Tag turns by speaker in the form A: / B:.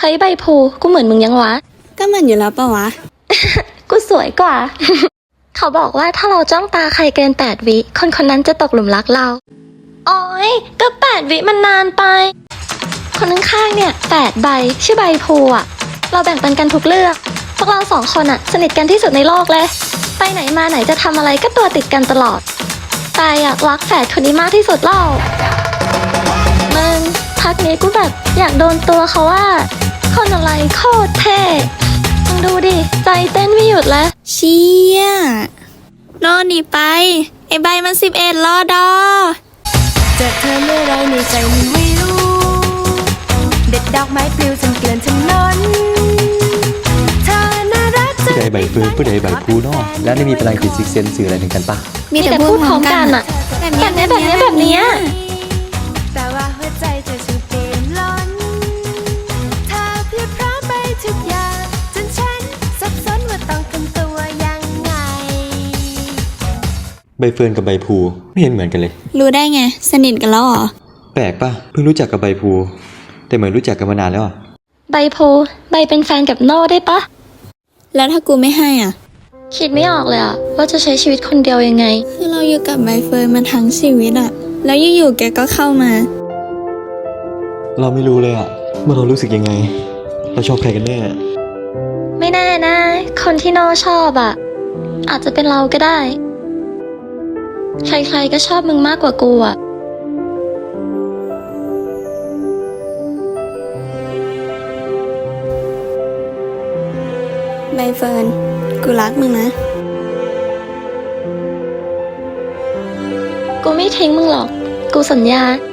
A: ฮ้ยใบพูกูเหมือนมึงยังวะ
B: ก็เหมือนอยู่แล้วปะวะ
A: กูสวยกว่า เขาบอกว่าถ้าเราจ้องตาใครเกิน8 วิคนคนนั้นจะตกหลุมรักเราโอ้ยก็8 วิมันนานไป คนข้างๆเนี่ย8 ใบชื่อใบพูอ่ะเราแบ่งปันกันทุกเรื่องพวกเรา2 คนอ่ะสนิทกันที่สุดในโลกเลยไปไหนมาไหนจะทำอะไรก็ตัวติดกันตลอดแต่อยากรักแฝดคนนี้มากที่สุดเล่ามึงพักนี้กูแบบอยากโดนตัวเขาว่าคนอะไรโคตรเท่มึงดูดิใจเต้นไม่หยุดเลย
B: เชี่ยโน่นหนีไป ไอ้ใบมัน11รอดอ
C: เจอเธอเมื่อไรในใจมันไม่รู้ เด็ดดอกไม้ปลิวจนเกลื่อนถนนเธอน่ารักจน
D: ผู้ใดใบเฟิร์นผู้ใดใบพูเนาะแล้วนี่มีพลังจิตซิกเซนสื่ออะไรถึงกันปะ
B: มีแต่
A: พูดพร้อมกันอะ แบบเนี้ย
C: แต่ว่าหัวใจเธอช่างเปลี่ยนล้นเธอเพียบพร้อมไปทุกอย่างจนฉันสับสนว่าต้องทำตัวยังไง
D: ใบเฟิร์นกับใบพูไม่เห็นเหมือนกันเลย
B: รู้ได้ไง สนิทกันแล้วเหรอ
D: แปลกปะเพิ่งรู้จักกับใบพูแต่เหมือนรู้จักกันมานานแล้วอะ
A: ใบพูใบเป็นแฟนกับโน่ได้ปะ
B: แล้วถ้ากูไม่ให้อ่ะ
A: คิดไม่ออกเลยอะว่าจะใช้ชีวิตคนเดียวยังไง
B: คือเราอยู่กับใบเฟิร์นมาทั้งชีวิตอ่ะ แล้วอยู่ๆแกก็เข้ามา
D: เราไม่รู้เลยอะว่าเรารู้สึกยังไงเราชอบใครกันแน่
A: ไม่แน่นะ คนที่โน่ชอบอะอาจจะเป็นเราก็ได้ ใครๆก็ชอบมึงมากกว่ากูอะ
B: ใบเฟิร์น กูรักมึงนะ
A: กูไม่ทิ้งมึงหรอก กูสัญญา